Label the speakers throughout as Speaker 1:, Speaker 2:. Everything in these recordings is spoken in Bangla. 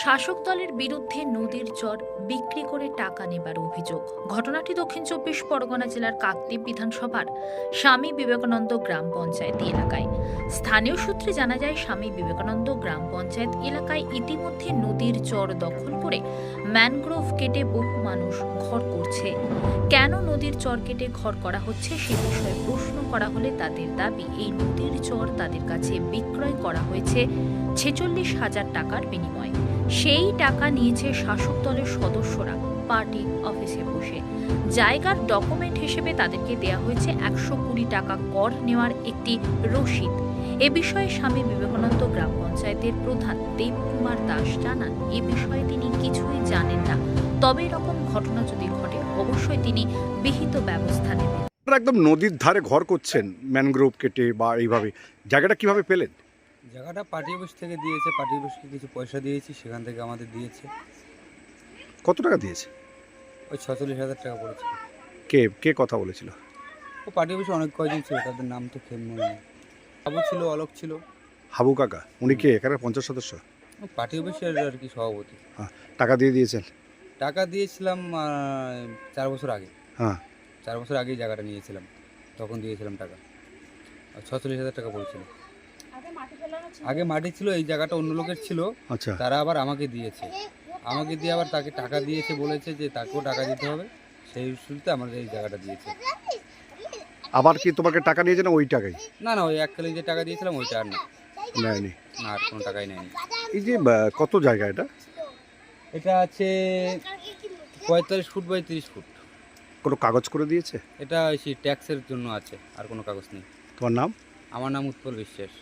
Speaker 1: শাসক দলের বিরুদ্ধে নদীর চর বিক্রি করে টাকা নেবার অভিযোগ। ঘটনাটি দক্ষিণ ২৪ পরগনা জেলার কাকদ্বীপ বিধানসভার স্বামী বিবেকানন্দ গ্রাম পঞ্চায়েত এলাকায়। স্থানীয় সূত্রে জানা যায়, স্বামী বিবেকানন্দ গ্রাম পঞ্চায়েত এলাকায় ইতিমধ্যে নদীর চর দখল করে ম্যানগ্রোভ কেটে বহু মানুষ ঘর করছে। কেন নদীর চর কেটে ঘর করা হচ্ছে সে বিষয়ে প্রশ্ন করা হলে তাদের দাবি, এই নদীর চর তাদের কাছে বিক্রয় করা হয়েছে ৪৬,০০০ টাকার বিনিময়ে। সেই টাকা নিয়েছে শাসক দলের সদস্যরা পার্টি অফিসে বসে। জায়গার ডকুমেন্ট হিসেবে তাদেরকে দেয়া হয়েছে ১২০ টাকা কর নেওয়ার একটি রসিদ। এ বিষয়ে স্বামী বিবেকানন্দ গ্রাম পঞ্চায়েতের প্রধান দেবকুমার দাস জানান, এ বিষয়ে তিনি কিছুই জানেন না, তবে এরকম ঘটনা যদি ঘটে অবশ্যই তিনি বিহিত ব্যবস্থা নেবেন।
Speaker 2: একদম নদীর ধারে ঘর করছেন ম্যানগ্রোভ কেটে বা এইভাবে, জায়গাটা কিভাবে পেলেন?
Speaker 3: জায়গাটা পার্টি অফিস থেকে দিয়েছে, পার্টি অফিসকে কিছু পয়সা দিয়েছি, সেখান থেকে আমাদের দিয়েছে।
Speaker 2: কত টাকা দিয়েছে?
Speaker 3: ওই ৪৬,০০০ টাকা পড়েছিল।
Speaker 2: কে কে কথা বলেছিল?
Speaker 3: ও পার্টি অফিসে অনেক কয়জন ছিল, তাদের নাম তো খেয়ে মনে নেই। বাবু ছিল, অলোক ছিল।
Speaker 2: হাবু কাকা, উনি কে এখানে পঞ্চায়েত সদস্য?
Speaker 3: ও পার্টি অফিসের আর কি সভাপতি।
Speaker 2: হ্যাঁ, টাকা দিয়ে দিয়েছেন?
Speaker 3: টাকা দিয়েছিলাম ৪ বছর আগে।
Speaker 2: হ্যাঁ,
Speaker 3: ৪ বছর আগেই জায়গাটা নিয়েছিলাম, তখন দিয়েছিলাম টাকা। ৪৬,০০০ টাকা পড়েছিল। আগে মাটি ছিল, এই জায়গাটা অন্য লোকের ছিল।
Speaker 2: আচ্ছা।
Speaker 3: তারা আবার আমাকে দিয়েছে, আমাকে দিয়ে আবার তাকে টাকা দিয়েছে, বলেছে যে তাকেও টাকা দিতে হবে। সেই শুরুতে আমাদের এই জায়গাটা দিয়েছে।
Speaker 2: আবার কি তোমাকে টাকা নিয়েছে না ওই টাকাই?
Speaker 3: না না, ওই এককালে যে টাকা দিয়েছিলাম ওইটা আর না।
Speaker 2: নেয়নি?
Speaker 3: না, আর কোনো টাকাই নেয়নি।
Speaker 2: এই যে কত জায়গা এটা?
Speaker 3: এটা আছে ৪৫ ফুট বাই ৩০ ফুট।
Speaker 2: কোনো কাগজ করে দিয়েছে?
Speaker 3: এটা সেই ট্যাক্সের জন্য আছে, আর কোনো কাগজ নেই।
Speaker 2: তোমার নাম?
Speaker 3: আমার নাম উৎপল বিশ্বাস।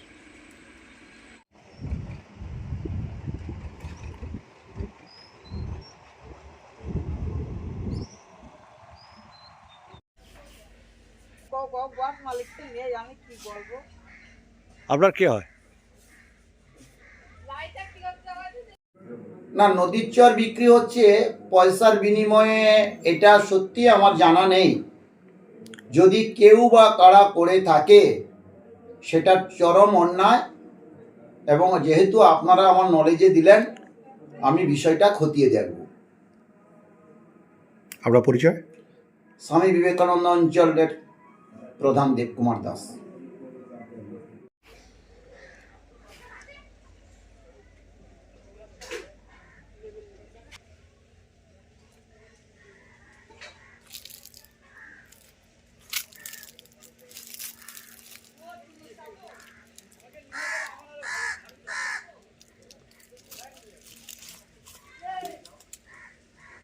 Speaker 2: আপনার কে হয়?
Speaker 4: না, নদীর চর বিক্রি হচ্ছে পয়সার বিনিময়ে, এটা সত্যি আমার জানা নেই। যদি কেউ বা কারা করে থাকে সেটা চরম অন্যায়, এবং যেহেতু আপনারা আমার নলেজে দিলেন, আমি বিষয়টা খতিয়ে দেখব।
Speaker 2: আপনার পরিচয়?
Speaker 4: স্বামী বিবেকানন্দ অঞ্চলের প্রধান দেবকুমার দাস।